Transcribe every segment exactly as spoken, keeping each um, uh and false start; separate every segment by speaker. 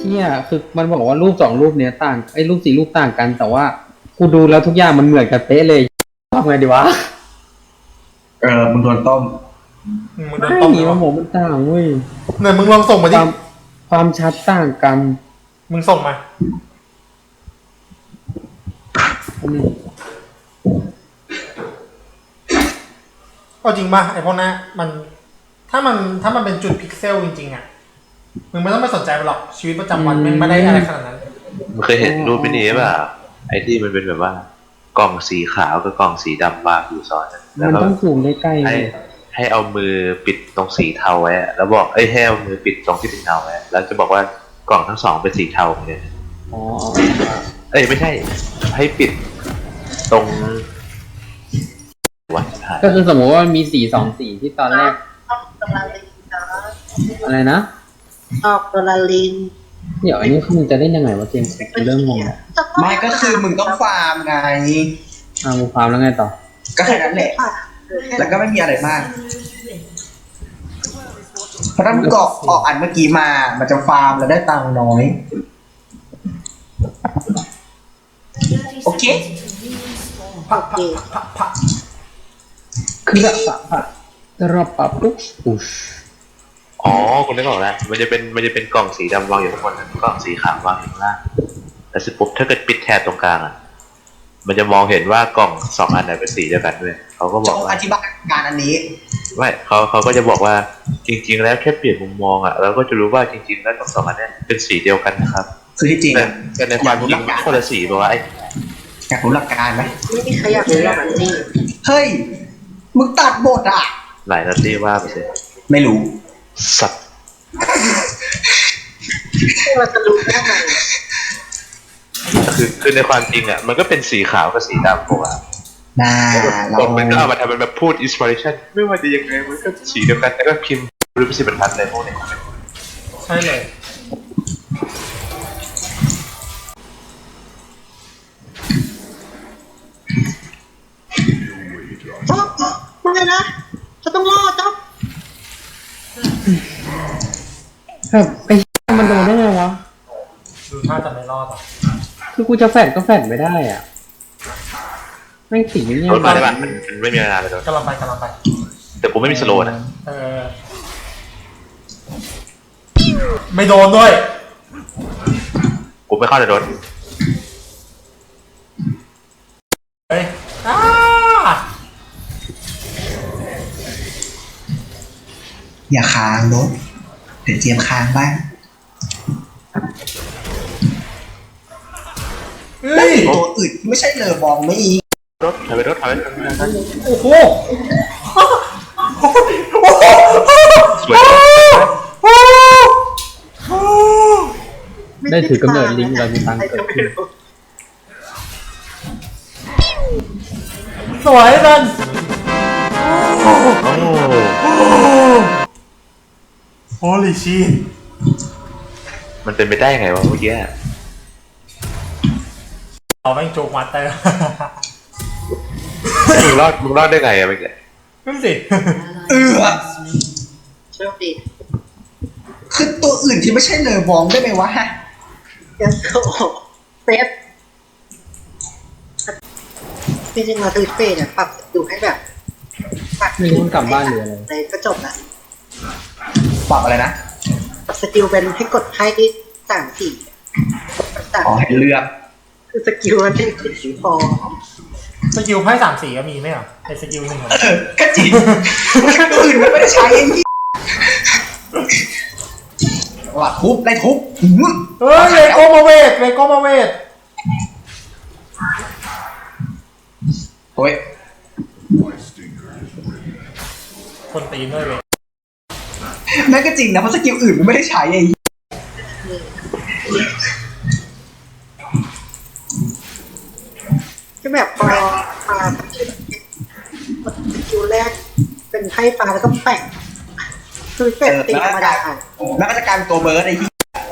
Speaker 1: ชี่ยคือมันบอกว่ารูปสองรูปเนี้ยต่างไอ้รูปสี่รูปต่างกัน แต่ว่ากูดูแล้วทุกอย่างมันเหมือนกันเป๊ะเลยทำไงดีวะ
Speaker 2: เออมึงโดนต้ม
Speaker 3: มึงโดนต้มหรือ
Speaker 1: มั
Speaker 3: เปล่า
Speaker 1: นบอกมันต่างเว้ย
Speaker 3: เนี่ยมึงลองส่งมา
Speaker 1: ค
Speaker 3: ดิ
Speaker 1: วามความชัดต่างกัน
Speaker 3: มึงส่งมา
Speaker 1: อืม
Speaker 3: เอาจริงป่ะไอ้พวกนั้นมันถ้ามันถ้ามันเป็นจุดพิกเซลจริงๆอ่ะมึงไม่ต้องไปสนใจมันหรอกชีวิตประจำวันมันไม่ได้อะไรขนาดนั้น
Speaker 4: มึงเคยเห็นรูปมินิป่ะไอ้ที่มันเป็นแบบว่ากล่องสีขาวกับกล่องสีดำวางอยู่ซ้อนกันแล้
Speaker 1: มั
Speaker 4: วน ก็
Speaker 1: ต้องสูงได้ใกล้ๆ
Speaker 4: ให้
Speaker 1: เลย
Speaker 4: ให้เอามือปิดตรงสีเทาไว้อะแล้วบอกเอ้ยให้เอามือปิดตรงที่เป็นเทาไว้แล้วจะบอกว่ากล่องทั้งสองเป็นสีเทาเหมือนกัน
Speaker 1: อ๋อ
Speaker 4: เอ้ยไม่ใช่ให้ปิดตรงวัดถ่าย
Speaker 1: ก็คือสมมติว่ามันมีสีสองสีที่ตอนแรก
Speaker 5: ออกตัวละลิงนะ
Speaker 1: อะไรนะ
Speaker 5: ออกตัวละลิง
Speaker 1: เดี๋ยวอันนี้คือมึงจะเล่นยังไงวะเกมกูเริ่มงงแล้ว
Speaker 2: ไม่ก็คือมึงต้องฟาร์มไง
Speaker 1: อ่ามูฟาร์มแล้วไงต่อ
Speaker 2: ก็แค่นั้นแหละ แล้วก็ไม่มีอะไรมากเพราะถ้ามึงกรอกออกอันเมื่อกี้มา มันจะฟาร์มแล้วได้ตังค์น้อย โอเค
Speaker 3: พะพะพะพะ
Speaker 1: คือแบบปะปะจะรอบปะปุ๊บปุ๊ช
Speaker 4: อ๋อคุณนึกออกแล้วมันจะเป็นมันจะเป็นกล่องสีดำวางอยู่ข้างบนกล่องสีขาววางอยู่ข้างล่างแต่สิปุ๊บถ้าเกิดปิดแทนตรงกลางอ่ะมันจะมองเห็นว่ากล่องสองอันไหนเป็นสีเดียวกันด้วยเขาก็บ
Speaker 2: จะ
Speaker 4: อกว่า
Speaker 2: อธิบายงานอันนี้
Speaker 4: ไม่เขาเขาก็จะบอกว่าจริงๆแล้วแค่เปลี่ยนมุมมองอ่ะเราก็จะรู้ว่าจริงๆแล้วทั้งสองอันเนี้ยเป็นสีเดียวกันนะครับ
Speaker 2: คือที่จริง
Speaker 4: แต่
Speaker 2: อะ
Speaker 4: แต่ในความจริงมันคนละสีบอกว่าไอ้
Speaker 2: อยากรู้หลักการไหม
Speaker 5: ไม่มีใครอยากรู้หรอกมันนี่
Speaker 2: เฮ้ย มึงตัดบทอ่ะ
Speaker 4: หลายนาทีว่าไปสิ
Speaker 2: ไม่รู้
Speaker 4: สัตว์
Speaker 5: เราจะรู้ได้ไง
Speaker 4: คือคือในความจริงอ่ะมันก็เป็นสีขาวกับสีดำปกติ
Speaker 2: น่าเรา
Speaker 4: บทมันก็เอามาทำเป็นแบบพูดอินสปิเรชันไม่ว่าจะยังไงมันก็สีเดียวกันแล้วก็พิมพ์รูปสิบรรทัดเลยพวกเนี้ย
Speaker 3: ใช่เลย
Speaker 5: จ๊อบมาไงนะจะต้องรอดจ๊อบ
Speaker 1: แบบไอ้มันโดนได้ไงวะ
Speaker 3: ดูท่าจะไม่รอดอ่ะ
Speaker 1: คือกูจะแฟดก็แฟดไม่ได้อ่ะแม่งสีเนี่ย
Speaker 4: รถมาได้ปะมันมันไม่มีเวลาเลยรถ
Speaker 3: กำลังไปกำลังไป
Speaker 4: แต่กูไม่มีสโลว์นะ
Speaker 3: เออไม่โดนด้วย
Speaker 4: กูไม่เข้าในรถ
Speaker 3: เฮ้ยอ้า
Speaker 2: อย่าค้างรถเดี๋ยวเจียมค้างบ้าง
Speaker 3: เฮ้ย
Speaker 2: ตัวอื่นไม่ใช่เลอบองไม่อีก
Speaker 4: รถถอยไปรถถอยไปรถ
Speaker 3: โอ้โห
Speaker 4: สวย
Speaker 1: ได้ถือกำเนิดลิงก์เรามีตังค์เกิดขึ้น
Speaker 3: สวยจัง
Speaker 4: โอ้
Speaker 3: โอ้ลิชี
Speaker 4: มันเป็นไปได้ยังไงวะเมื่อกี้
Speaker 3: เราแม่งโจกมาเตอร์
Speaker 4: มึงรอดมึงรอดได้ไงอะเมื่อกี้
Speaker 3: นั่นสิ
Speaker 2: เออ
Speaker 5: โชคดี
Speaker 2: คือตัวอื่นที่ไม่ใช่เลอบองได้ไหมวะฮะ
Speaker 5: ยังโตเฟสจริงๆเราดูเฟสเนี่ยปรับดูให้แบบปรับ
Speaker 1: มีคนกลับบ้านหรืออะไร
Speaker 5: เลยก็จบละ
Speaker 2: ปรับอะไรนะ
Speaker 5: ปรับสกิลเป็นให้กดไพ่ที่สามสี่สาม
Speaker 2: อ๋อให้เลือก
Speaker 5: คือสกิลมันเป็นสีพอ
Speaker 3: สกิลไพ่สามสีก็มีไหมอ่ะไอสกิลหนึ่งเหรอ
Speaker 2: เออก็จริงตัวอื่นมันไม่ได้ใช้ไอ้ที่ว่าทุบไล่ทุบอื้อ
Speaker 3: เฮ้ยเลโก้มาเวทเลโก้มาเวท
Speaker 2: โอ้ย
Speaker 3: คนตีนด้วยเวย
Speaker 2: นั่นก็จริงนะเพราะสกิลอื่นมันไม่ได้ใช้ไอ้ที่
Speaker 5: ก็แบบพอปาสกิลแรกเป็นไพ่ฟ้าแล้วก็แปะคือเฟสตีธรรมดาอ่ะ
Speaker 2: แล้วก็จะกลายเป็นตัวเบิร์ดไอ้ที่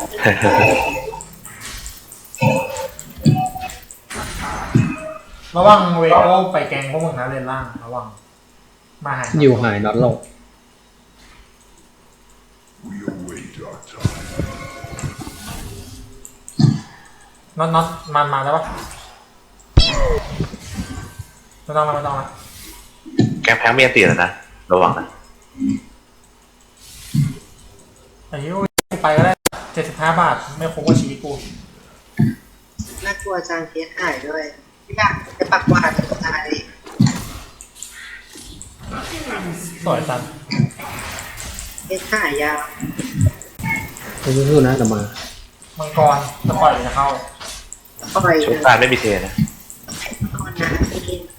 Speaker 3: ระวังเวโก้ไปแกงพวกมึงนะเลนล่างระวังมาหาย
Speaker 1: อยู่หายน็อตโลก
Speaker 6: We await our time.
Speaker 3: น็อตน็อตมันมาแล้วปะไม่ต้องแล้วไม่ต้องแล้ว
Speaker 4: แกงแพงมีอันตีแล้วนะระวังนะ
Speaker 3: ไอ้เหี้ยกูไปก็ได้เจ็ดสิบห้าบาทไม่คุ้มกับชีวิตกู
Speaker 5: น่ากลัวจานเทียหายด้วยไม่อยากจะปักหวาดกับตาย
Speaker 3: สวยจัง
Speaker 5: เทียหายยาว
Speaker 1: ไม่สู้ๆนะแต่มา
Speaker 3: มังกรจะปล่อยจะเข้า
Speaker 5: ปล่อย
Speaker 4: ชุดการไม่มีเทนะ
Speaker 5: ก่อนนะอินโฟ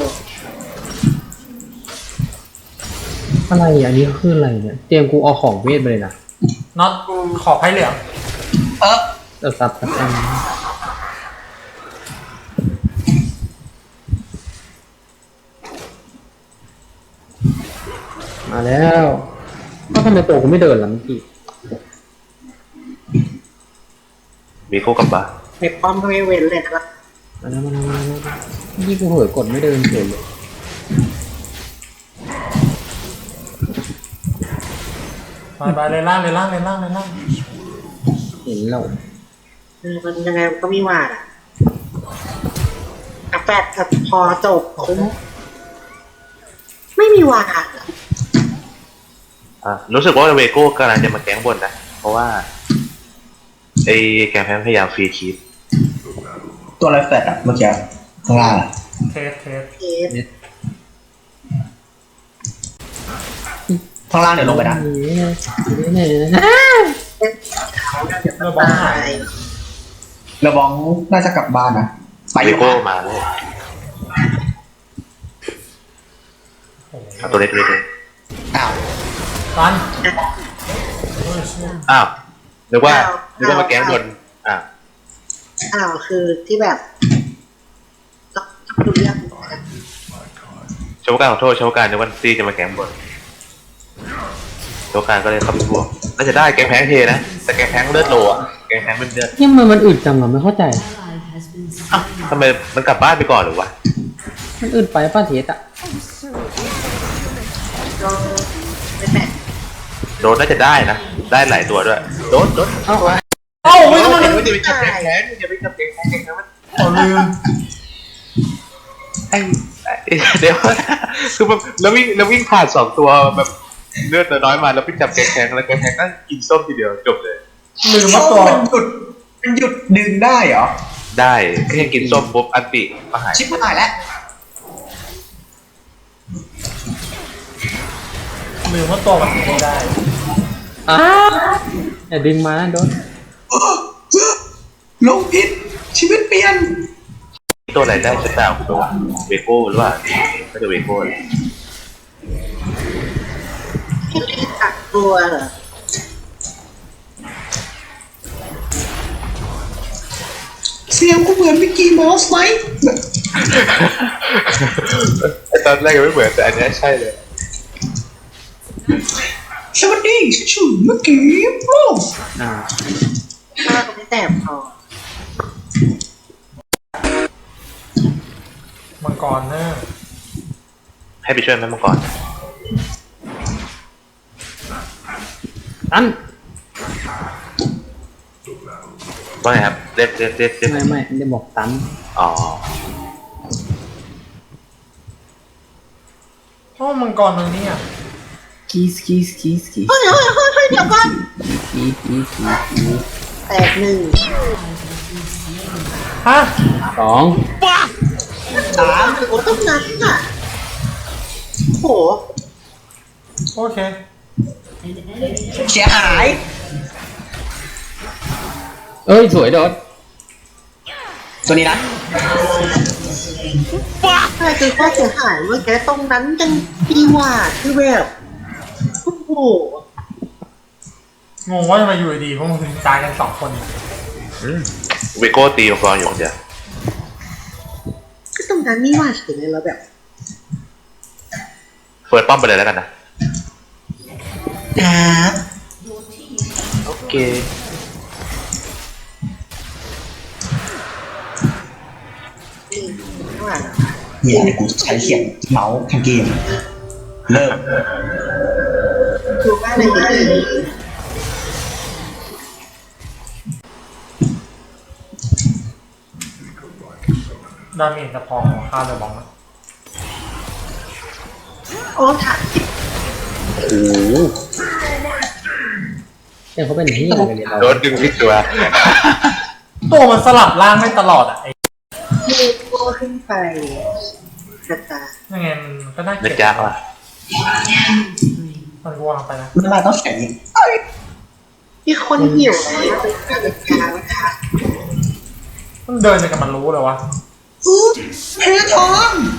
Speaker 1: อะไรอ่ะอันนี้คืออะไรเนี่ยเตรียมกูเอาของเวทไปเลยนะ
Speaker 3: น็อตขอไพ่เหลือง
Speaker 2: เออ
Speaker 1: เออซับซับอันมาแล้วก็ทำไมตัวกูไม่เดินล่ะเมื่อกี้
Speaker 4: มีคู่กับบ้า
Speaker 5: ในป้อมก็ไม่เว้นเลยนะครับ
Speaker 1: มาแล้วมาแล้วมาแล้วนี่กูเผลอกดไม่เดินเฉยเลย
Speaker 3: ไปไปเลยล่างเลยล่างเลยล่างเลยล่าง
Speaker 1: เห็นเรา
Speaker 5: เออมันยังไงมันก็มีหวาดอ่ะอ่ะแปดอ่ะพอจบคุ้มไม่มีหวาดอ่ะ
Speaker 4: อ่ะรู้สึกว่าเวโก้กำลังจะมาแก๊งบนนะเพราะว่าไอ้แกงแพงพยายามฟรีคีป
Speaker 2: ตัวอะไรแฟดอะเมื่อกี้ข้างล่างอะ
Speaker 3: เทสเทส
Speaker 5: เทส
Speaker 2: ข้างล่างเดี๋ยวลงไปนะ
Speaker 1: เนี่ย
Speaker 5: เขาเดี๋ยว
Speaker 3: เมื่
Speaker 5: มั
Speaker 3: อน บอล
Speaker 5: ตา
Speaker 3: หาย
Speaker 5: ย
Speaker 2: ระวังน่าจะกลับบ้านนะไป
Speaker 4: เว
Speaker 2: อยู่
Speaker 4: โก้
Speaker 2: บ้าน
Speaker 4: มาเลย
Speaker 3: โอ้โห
Speaker 4: เอาตัวเล็กตัวเล็กเลย
Speaker 2: อ้าว
Speaker 3: รันโอ้ยเชี่ย
Speaker 4: อ้าวนึกว่านึกว่ามาแก๊งบนอ่ะ
Speaker 5: อ้าวคือที่แบบต้องต้องดูเรื่องนะ
Speaker 4: ชาวการขอโทษชาวการนึกว่าซีจะมาแก๊งบนชาวการก็เลยเข้าไปบวกน่าจะได้แกงแพงเทนะแต่แกงแพงเลือดโลอ่ะแกงแพงเป็นเลือด
Speaker 1: นี่มันมันอึดจังอ่ะไม่เข้าใจ
Speaker 4: อ้าวทำไมมันกลับบ้านไปก่อนหรือวะ
Speaker 1: มันอึดไปป้าเทสอ่ะ
Speaker 5: ลองไม่แปะ
Speaker 4: โดนน่าจะได้นะได้หลายตัวด้วยโดนโดน
Speaker 1: เอ้า
Speaker 3: เอ้าไม่ต้องมา
Speaker 4: อย่าไปจับแกงแพงอย่าไปจับแกงแพงแกงแพงมัน
Speaker 3: เอาลืม
Speaker 4: ไอ้ไอ้เดี๋ยวคือแบบแล้ววิ่งแล้ววิ่งผ่านสองตัวแบบเลือดน้อยมาแล้วไปจับแกงแพงแล้วแกงแพงก็กินส้มทีเดียวจบเลย
Speaker 3: ลืม
Speaker 2: ส้
Speaker 3: ว่าม ตัว
Speaker 2: มันหยุดมันหยุดดึงได้เหรอ
Speaker 4: ได้แค่กินส้มปุ๊บอันติมาหาย
Speaker 2: ชิบหายแล้ว
Speaker 3: ลืมว่าตัวมันไม่ได้
Speaker 1: อ้าอย่าดึงมานะโดน
Speaker 2: ลงพิษชีวิตเปลี่ยน
Speaker 4: ตัวไหนได้ชุดดาวตัวเวโก้หรือว่าก็จะเวโก้เลย
Speaker 5: ที่รีบกักตัวเหรอ
Speaker 2: เสียงกูเหมือนมิกกี้เมาส์ไหม
Speaker 4: ตอนแรกยังไม่เหมือนแต่อันนี้ใช่เลย
Speaker 2: สวัสดีชื่อมิกกี้เมาส์
Speaker 1: อ่า
Speaker 5: ถ้าก็ไม่แสบพอ
Speaker 3: มังกรเนอะ
Speaker 4: ให้ไปช่วยแม่มังกร
Speaker 1: ตัน
Speaker 4: ว่าไงครับเรียกเรียกเรียกเรียก
Speaker 1: ไม่ไม่ได้บอกตัน
Speaker 4: อ๋อ
Speaker 3: เพราะมังกรมันเนี่ย
Speaker 1: กีสกีสกีสกีส
Speaker 5: เฮ้ยเฮ้ยเฮ้ยเฮ้ยเดี๋ยวก่อน
Speaker 1: กีสกีสกีสกีส
Speaker 5: แตกหนึ่ง
Speaker 3: ฮะ
Speaker 1: สอง
Speaker 2: สาม
Speaker 5: โอ้ต้องนั้นอ่ะโห
Speaker 3: โอเค
Speaker 2: เสียหาย
Speaker 1: เอ้ยสวยโดน
Speaker 2: ตัวนี้นะ
Speaker 5: ใช่คือข้อเสียหายเมื่อกี้ตรงนั้นยังดีหว่าคือแบบโอ้โห
Speaker 3: งงว่าทำไมอยู่ดีๆพวกมึงถึงตายกันสองคน
Speaker 4: เวโก้ตีมังกรอยู่คนเดียว
Speaker 5: ก็ตรงนั้นนี่หว่าถึงเลยแล้วแบบ
Speaker 4: เฟิร์สป้อมไปเลยแล้วกันนะ
Speaker 2: ครับ
Speaker 4: โอเค
Speaker 5: นี่ว่า
Speaker 2: เหี้ยเดี๋ยวกูใช้เขียนเมาส์ทั้งเกม เริ่ม
Speaker 5: ดูว่าในนี้
Speaker 3: ดาเมจจะพอค่าเลยบองนะ
Speaker 5: โอ้ถามจริง
Speaker 4: โอ้โห
Speaker 1: เนี่ยเขาเป็นที่อะไรกันเนี่ยเรา
Speaker 4: โดนดึงผิดตัว
Speaker 3: ตัวมันสลับร่างไม่ตลอดอ่ะไอ้
Speaker 5: มีโก้ขึ้นไปกระตา
Speaker 3: ยังไงมันก็น่าเกลี
Speaker 4: นะ
Speaker 3: ยด
Speaker 4: จ๊ะว่ะ
Speaker 3: มันกลัวไปนะ
Speaker 2: มันมาต้องแข่งยิง
Speaker 5: มีคนหิวแล้วเป็นการจัดการนะคะ
Speaker 3: มันเดินไปกับมันรู้เลยวะ
Speaker 2: อู้เพทอง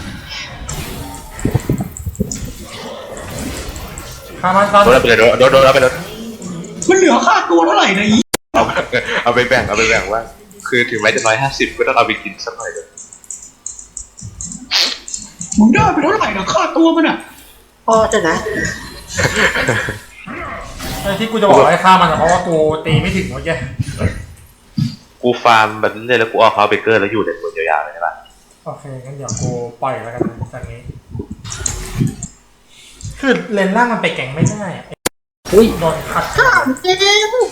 Speaker 3: ฆ่ามันซัน
Speaker 4: โดนเอาไปเลยโดนโดนเอาไปเลย
Speaker 2: มันเหลือค่าตัวเท่าไหร่นะอี
Speaker 4: เอาเอาไปแบ่งเอาไปแบ่งว่า คือถึงแม้จะร้อยห้าสิบก็ต้องเอาไปกินสักหน่อยเลย
Speaker 2: มึงได้ไปเท่าไหร่นะค่าตัวมันอ่ะ
Speaker 5: พอจะนะ
Speaker 3: ไอ้ที่กูจะบอกให้ฆ่ามันอะเพราะว่ากูตีไม่ถึงเมื่อกี้
Speaker 4: กูฟาร์มแบบนี้เลยแล้วกูเอาเขาเบเกอร์แล้วอยู่ในตัวยาวๆเลยใช่ปะ
Speaker 3: โอเคงั้นเดี๋ยวกูปล่อยแล้วกันนะจากนี้ คือเลนล่างมันไปแก่งไม่ได้อะไอ้
Speaker 1: อุ้ย
Speaker 3: โดนขัด
Speaker 5: ถามเจมส์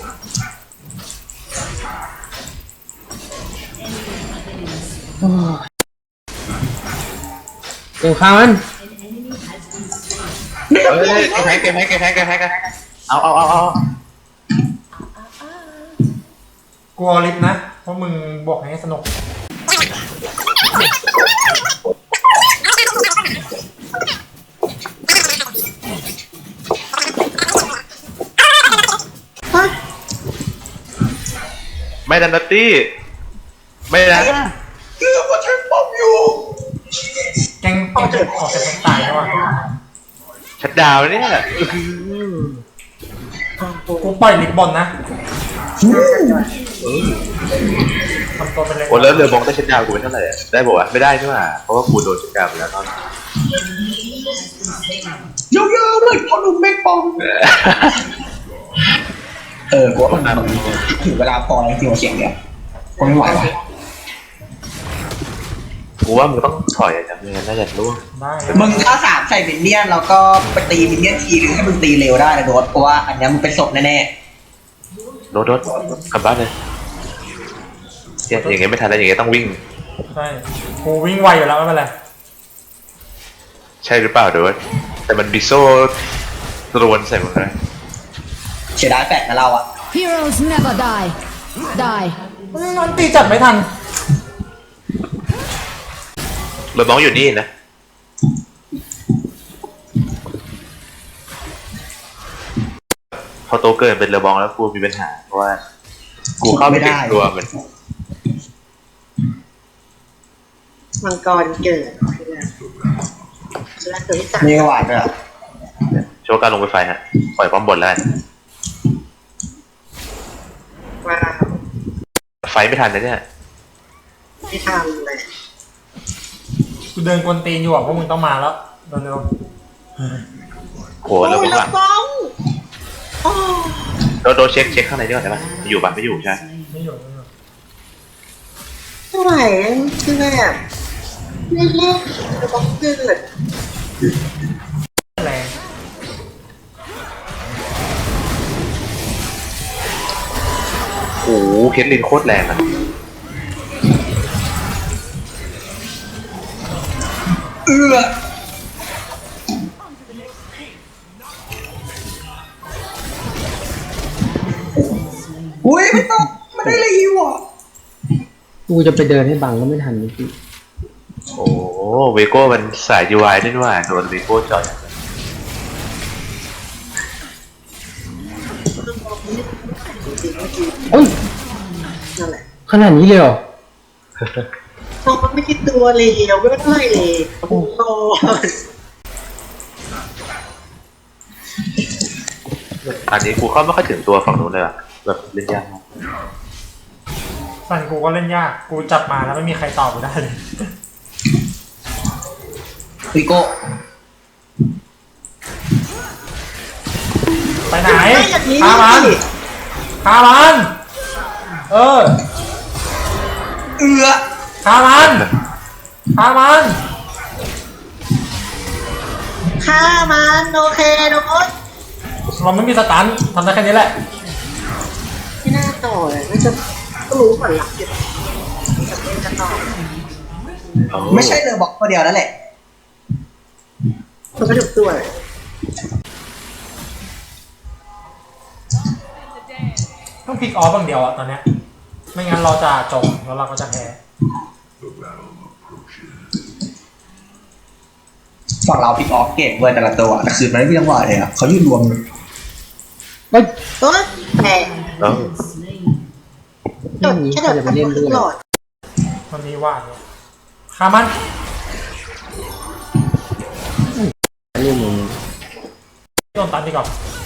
Speaker 1: เดี๋ยวข้ามัน
Speaker 4: เฮ้ยแพ้แกแพ้แกแพ้แกแพ้แกเอาเอาเอาเอา
Speaker 3: กลัวลิฟต์นะเพราะมึงบอกให้สนุก
Speaker 5: ฮะ
Speaker 4: ไม่ดันนัตตี้ไม่นะ
Speaker 2: เกือบว่าใช้ป้อมอยู่
Speaker 3: แกงแกงจะออกจากแกงตายแล้วอ่ะ
Speaker 4: ชัดดาวน์เนี่ย
Speaker 3: กูปล่อยลิฟต์บอลนะทำตัวเป็นเลย
Speaker 4: โอ้แล้วเรือบองได้ชัดดาวน์กูเป็นเท่าไหร่อะได้บอกว่าไม่ได้ใช่ไหมเพราะว่ากูโดนชัดดาวน์ไปแล้วตอน
Speaker 2: ยาวๆเลยพอลุมแม่งปอมเออกูว่ามันถึงเวลาพอแล้วจริงๆเสียงเดียวกูไม่ไหวว่ะ
Speaker 4: กูว่ามึงต้องถอยจากเงินน่าจะร่วง
Speaker 3: ได้
Speaker 2: มึงถ้าสามใส่มินเนี่ยนแล้วก็ไปตีมินเนี่ยนทีนึงให้มึงตีเร็วได้นะโดสเพราะว่าอันนี้มึงเป็นศพแน่
Speaker 4: โดดโดดกลับบ้านเลยเนี่ยอย่างเงี้ยไม่ทันแล้วอย่างเงี้ยต้องวิ่ง
Speaker 3: ใช่กูวิ่งไวอยู่แล้วไม่เป็นไร
Speaker 4: ใช่หรือเปล่าโดดแต่มันบิโซ่ตรวนใส่มึงเลย
Speaker 2: ๆเสียดายแปลกนะเราอะ
Speaker 6: Heroes never die. Die.
Speaker 3: มันตีจัดไม่ทัน
Speaker 4: เรือบองอยู่นี่นะพอโตเกินเป็นเรือบองแล้วกูมีปัญหาเพราะว่ากูเข้าไม่ถึงตัวมัน
Speaker 5: มังกรเกิดแล้วตัวที่สาม
Speaker 2: มีกระหวานด้วยอะ
Speaker 4: โชว์การลงไปไฟฮะปล่อยป้อมบนแล้วกัน
Speaker 5: ว้าว
Speaker 4: ไฟไม่ทันนะเนี่ย
Speaker 5: ไม่ทำเลย
Speaker 3: กูเดินกวนตีนอยู่อ่ะพวกมึงต้องมาแล้วเร็ว
Speaker 4: โหแล้วก็หลัง
Speaker 5: บ้องโอ้
Speaker 4: โดนโดนเช็คเช็คข้างในด้วยได้ปะอยู่ปะไม่อยู่ใช่
Speaker 3: ๆไม่อยู่ไม่อยู่
Speaker 5: เท่าไหร่คือแบบเล่นๆจะบ้องเกิด
Speaker 3: แรง
Speaker 4: โอ้โหเคสลินโคตรแรงอะ
Speaker 2: เอืออุ้ยไม่ต้องไม่ได้เลยฮิวอ่ะ
Speaker 1: กูจะไปเดินให้บังก็ไม่ทันนี่พี่
Speaker 4: โอ้เวโก้มันสายยูไอด้วยนี่หว่าโดนเวโก้จอย
Speaker 1: โอ้ย
Speaker 5: นั่นแหละ
Speaker 1: ขนาดนี้เลยเหรอ
Speaker 5: น้องมันไม่ใช่ตัวเลวไม่เท่าไหร่เลยโอ้โห
Speaker 4: อันนี้กูเข้าไม่ค่อยถึงตัวฝั่งนู้นเลยอะแบบเล่นยากมาก
Speaker 3: สันกูก็เล่นยากกูจับมาแล้วไม่มีใครตอบกูได้เลย
Speaker 2: วิโก้
Speaker 3: ไปไหน
Speaker 5: ไม่อย่างนี้
Speaker 3: ฆ่ามันฆ่ามันเออ
Speaker 2: เอือ
Speaker 3: ฆ่ามันฆ่ามัน
Speaker 5: ฆ่ามันโอเคโดน
Speaker 3: เราไม่มีสตันทำได้แค่นี้แหละ
Speaker 5: ไม่น่าต่อเลยน่าจะก็รู้ก่อนหลักอยู่จะเล่นจะต่อ
Speaker 4: โอ้
Speaker 2: ไม่ใช่เลอบอกตัวเดียวนั่นแหละ
Speaker 5: มันก็ถูกตัวเลย
Speaker 3: ต้องพลิกออฟบางเดียวอะตอนเนี้ยไม่งั้นเราจะจมแล้วเราก็จะแพ้
Speaker 2: ฝั่งเราพิกออฟเก่งเว้ยแต่ละตัวแต่คือมันไม่มีจังหวะเลยอ่ะเขายืนรวม
Speaker 1: เฮ้ย
Speaker 5: ตัวแตก
Speaker 4: โอ้
Speaker 5: จดแค่เดินทางทุกหลอด
Speaker 3: มันมีว่าเนี่ยคามัน
Speaker 1: เรื่องมึง
Speaker 3: โดนตันดีกว่า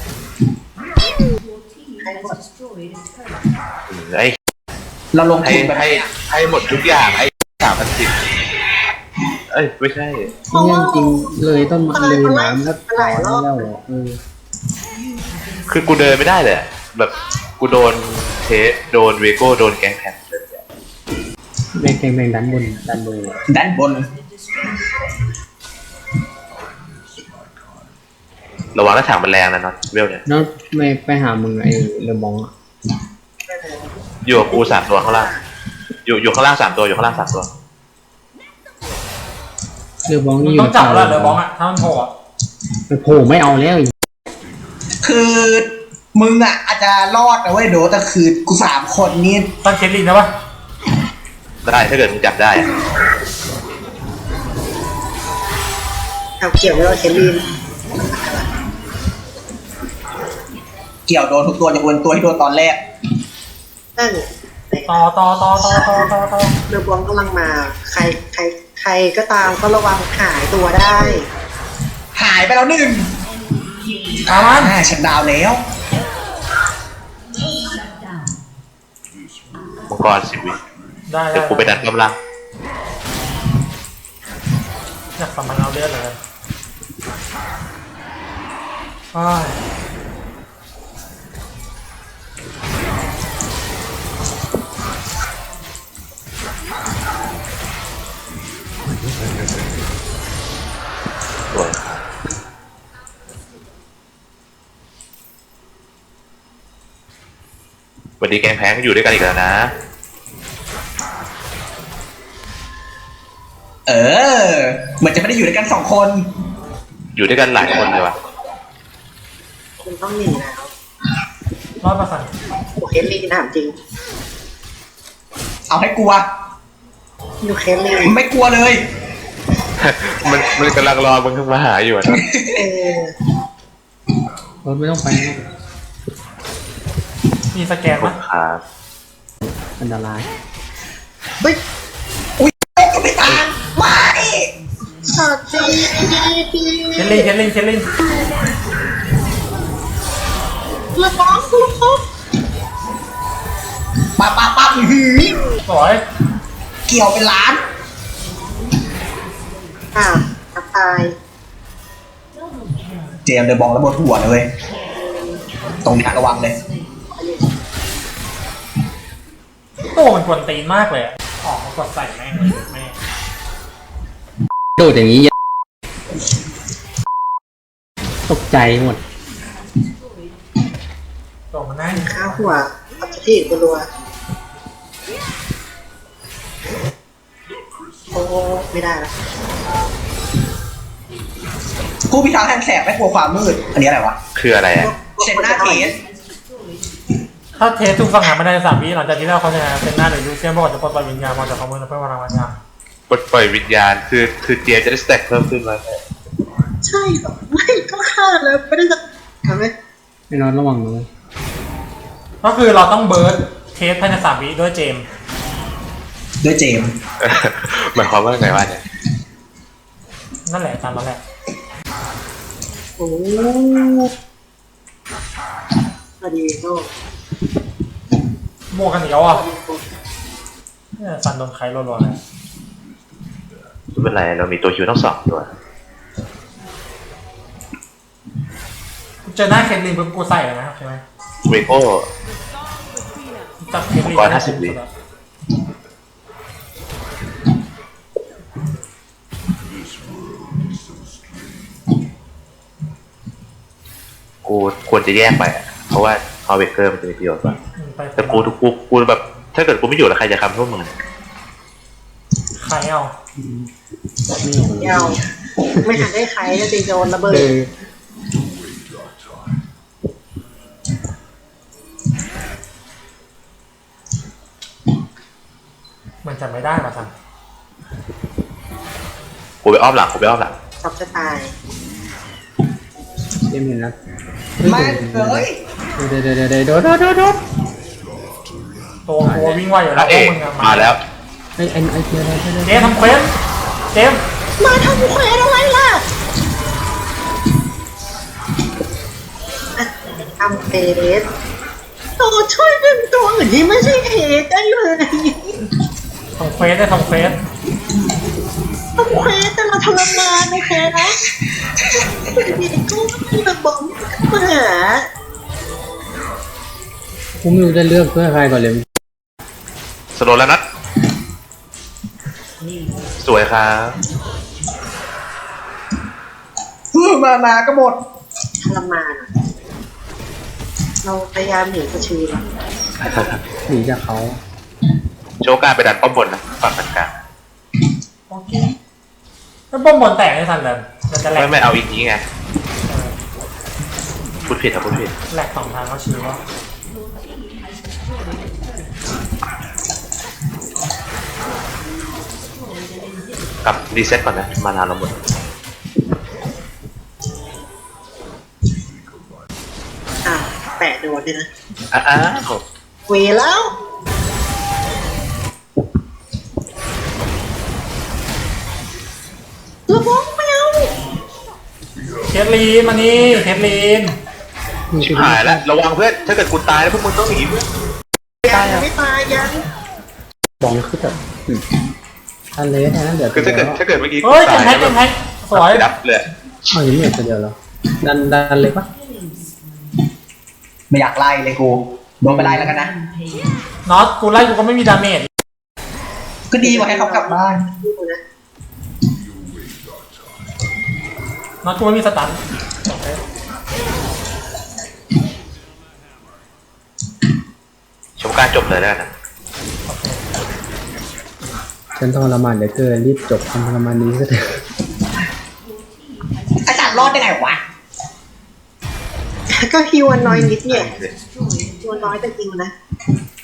Speaker 4: ไอ้
Speaker 2: เราลง
Speaker 4: ให้
Speaker 2: ทุนแบบ
Speaker 4: ให้ให้หมดทุกอย่างไอ้สามพันสิบเอ้ยไม่ใช่
Speaker 1: เนี่ยจริงเลยต้นไม้เลยน้ำก็ตายแล้วเออ
Speaker 4: คือกูเดินไม่ได้เลยอะแบบกูโดนเทสโดนเวโก้โดนแกงแผ่นเลยอะ
Speaker 1: แบงแบงแบงดันบนดันบน
Speaker 2: ด้านบน
Speaker 4: ระวังหน้าถางมันแรงนะน็อตเวลเนี่ย
Speaker 1: แล้วไม่ไปหามึงไอ้เรมองอ่ะ
Speaker 4: อยู่กับกูสามตัวข้างล่างอยู่อยู่ข้างล่างสามตัวอยู่ข้างล่างสามตัว
Speaker 1: เรมอง
Speaker 3: มัน
Speaker 1: นี่อยู่
Speaker 3: ต้องจับแล้วเหลือบองอะถ้ามันโผล่อะ
Speaker 1: ไปโผล่ไม่เอาแล้ว
Speaker 2: คือมึงอ่ะอาจจะรอดนะเว้ยโดแต่คือกูสามคนนี่
Speaker 3: ตั้งเคสลินนะปะ
Speaker 4: ได้ถ้าเกิดมึงจับได้อะ
Speaker 5: เอาเกี่ยวไม่รอดเคลีน
Speaker 2: เกี่ยวโดนทุกตัวจะวนตัวที่โดนตอนแรก
Speaker 5: นั่น
Speaker 3: ต่อต่อต่อต่อต่อต่อต่อ
Speaker 5: เรือบอลกำลังมา ใครใครใครก็ตามก็ระวังหายตัวได้
Speaker 2: หายไปแล้วหนึ่ง
Speaker 3: คามัน
Speaker 2: อ่าฉันดาวแล้ว
Speaker 4: มังกรสิบวิ
Speaker 3: ได้ได้
Speaker 4: เดี๋ยวกูไปดันกำลัง
Speaker 3: อยากสมันเอาเลือดเลยอ้าย
Speaker 4: สวยวันนี้แกงแพงอยู่ด้วยกันอีกแล้วนะ
Speaker 2: เออเหมือนจะไม่ได้อยู่ด้วยกันสองคน
Speaker 4: อยู่ด้วยกันหลายคนเลยว่ะ
Speaker 5: คุณต้องหนีแล้ว
Speaker 3: รอดมาสั่น
Speaker 5: โอเคลีนถามจริง
Speaker 2: เอาให้กลัว
Speaker 5: ดูเคลีน
Speaker 2: ไม่กลัวเลย
Speaker 4: มันมันกำลังรอมึงขึ้นมาหาอยู่อะนะ
Speaker 5: เออ
Speaker 1: รถไม่ต้องไปนะ
Speaker 3: มีสแกน
Speaker 4: ขอ
Speaker 3: ปะ
Speaker 4: บครับ
Speaker 1: อันตราย
Speaker 5: เฮ้ย
Speaker 2: อุ้ยก็ไม่ตายไม่
Speaker 5: สอดจริง
Speaker 3: เคสลินเคสลินเคสลิน
Speaker 5: เรือบอลคุณครับ
Speaker 2: ปาปาปาอื้อหือ
Speaker 3: สวย
Speaker 2: เกี่ยวเป็นล้าน
Speaker 5: อ้าวทักทาย
Speaker 2: เจมส์เดอะบองแล้วบนหัวเลยเว้ยตรงนี้ระวังเลย
Speaker 3: โต้มันกวนตีนมากเลยอะออกมากดใส่แม่งเลยแม่ง
Speaker 1: โดดอย่างนี้ตกใจหมด
Speaker 3: โต้มันนั่ง
Speaker 5: ข้าวหัวอัพที่ตัวรัวโอ้ไม่ได้แล้ว
Speaker 2: ผู้พิทักษ์แห่งแสงไม่กลัวความมืด อันนี้อะไรวะ
Speaker 4: คืออะไรอ่ะ
Speaker 2: เซนหน้าเทส
Speaker 3: ถ้าเทสทุกสังหารไม่ได้สามวิหลังจากที่เราเขาชนะเซนหน้าหรือยูเซียนบอกจะปลดปล่อยวิญญาณมาจากเขาเมื่อเพื่อพลังวิญญาณ
Speaker 4: ปลดปล่อยวิญญาณคือคือเจมจะได้สแต็กเพิ่มขึ้นมา
Speaker 5: ใช่เหรอไม่ก็ฆ่าแล้วไม่ได้จะทำไหม
Speaker 1: ไม่นอนระวังเลย
Speaker 3: ก็คือเราต้องเบิร์ดเทสภายในสามวิด้วยเจมส์
Speaker 2: ด้วยเจมส์
Speaker 4: หมายความว่าไงวะเนี่ย
Speaker 3: นั่นแหละตามนั้นแหละ
Speaker 5: โอ้พอดีโน่
Speaker 3: บวกกันอีกแล้วอ่ะเนี่ยซันโดนใครรัวๆเลย
Speaker 4: ไม่เป็นไรเรามีตัวคิวทั้งสองตัว
Speaker 3: เจอหน้าเคทลินปุ๊บกูใส่เลยนะครับใช่ไหม
Speaker 4: เวโก้
Speaker 3: จับเคทลิน
Speaker 4: ก่อนห้าสิบวิ กูควรจะแยกไปอะเพราะว่าพอเวเกอร์มันจะมีประโยชน์กว่า
Speaker 3: อืมไป
Speaker 4: แต่กูกูกูแบบ ถ้าเกิดกูไม่อยู่แล้วใครจะคำพวกมึง
Speaker 3: คใครเอา
Speaker 5: เดี๋ยวไม่ทันได้ใครก็จะโดนระเบิด
Speaker 1: เออ
Speaker 3: มันจะไม่ได้มาท
Speaker 4: กูไปอ้อมหลังกูไปอ้อมหลัง
Speaker 5: ชอบจะตาย
Speaker 1: เจมเห็นแล้ว
Speaker 2: ไม่เอ้ย
Speaker 1: เดี๋ยวเดี๋ยวเดี๋ยวเดี๋ยวโดดโดดโดดโดด
Speaker 3: ำตัวตัววิ่งไวอยู่
Speaker 4: พ
Speaker 3: แล้ว
Speaker 4: ระเอก
Speaker 3: พวกมึงอะ
Speaker 4: มาแล้ว
Speaker 1: ไอ้ไอ้ไอ้เจมอะไรเจม
Speaker 3: เจมส์ทำเควสเจมส์
Speaker 5: มาทำเควสอะไรล่ะอ่ะทำเควสตัวช่วยเป็นตัวอื่นที่ไม่ใช่เฮดได้เลย
Speaker 3: ทำเควสได้ทำเควส
Speaker 5: ทำเควสแต่เราทรมานโอเคนะเด็กๆก็มีระบบมาหา
Speaker 1: กูไม่รู้จะเลือกเพื่อใครก่อนเลย
Speaker 4: สโลว์แล้วนัดสวยครับ
Speaker 2: มามาก็หมด
Speaker 5: ทรมานอะเราพยายามหนีกระชือแล้ว
Speaker 1: หนีจากเขา
Speaker 4: โชว์การไปดันป้อมบนนะฝั่งกลาง
Speaker 3: โอเคแล้วป้อมบนแตกไม่ทันเลยมันจะแหลก
Speaker 4: ไม่ไม่เอาอีกนี้ไงพูดผิดครับพูดผิด
Speaker 3: แหลกสองทางเขาชื่อว่า
Speaker 4: กลับรีเซ็ตก่อนนะมานานเราหมด
Speaker 5: อ่ะแปะโดนด้วยนะ
Speaker 4: อ้าว
Speaker 5: เวแล้วระวังแมว
Speaker 3: เคทลีนมานี่เคทลีน
Speaker 4: ชิบหายแล้วระวังเพื่อนถ้าเกิดกูตายแล้วพวกมึงต้องหนีเพื่อน
Speaker 5: ยังยังไม่ตายยัง
Speaker 1: บองคือแบบทันเลยแทนนั้นเดี๋ยว
Speaker 4: คือถ้าเกิดถ้าเกิดเมื่อกี้กู
Speaker 3: เฮ้ย
Speaker 4: ตา
Speaker 3: เจ็
Speaker 4: ย
Speaker 3: บแพ็ค
Speaker 4: แล้
Speaker 3: เจ็บแพ็คสวย
Speaker 4: ดับเลย
Speaker 1: เอาอย่างนี้เดียวแล้วดันดันเลยปะ
Speaker 2: ไม่อยากไล่เลยกูโดนไปไล่แล้วกันนะ
Speaker 3: น็อตกูไล่กูก็ไม่มีดาเมจ
Speaker 2: ก็ดีกว่าให้เขากลับบ้าน
Speaker 5: ดูนะ
Speaker 3: น็อตกูไม่มีสตัน
Speaker 4: ชมการจบเลยแล้วนะ
Speaker 1: ฉันทรมานเหลือเกินรีบจบความทรมานนี้ก็เถอะ
Speaker 2: อาจารย์รอดได้ไงวะ
Speaker 5: ก็ฮิวอันน้อยนิดเนี่ยฮิวอันน้อยแต่จริงนะ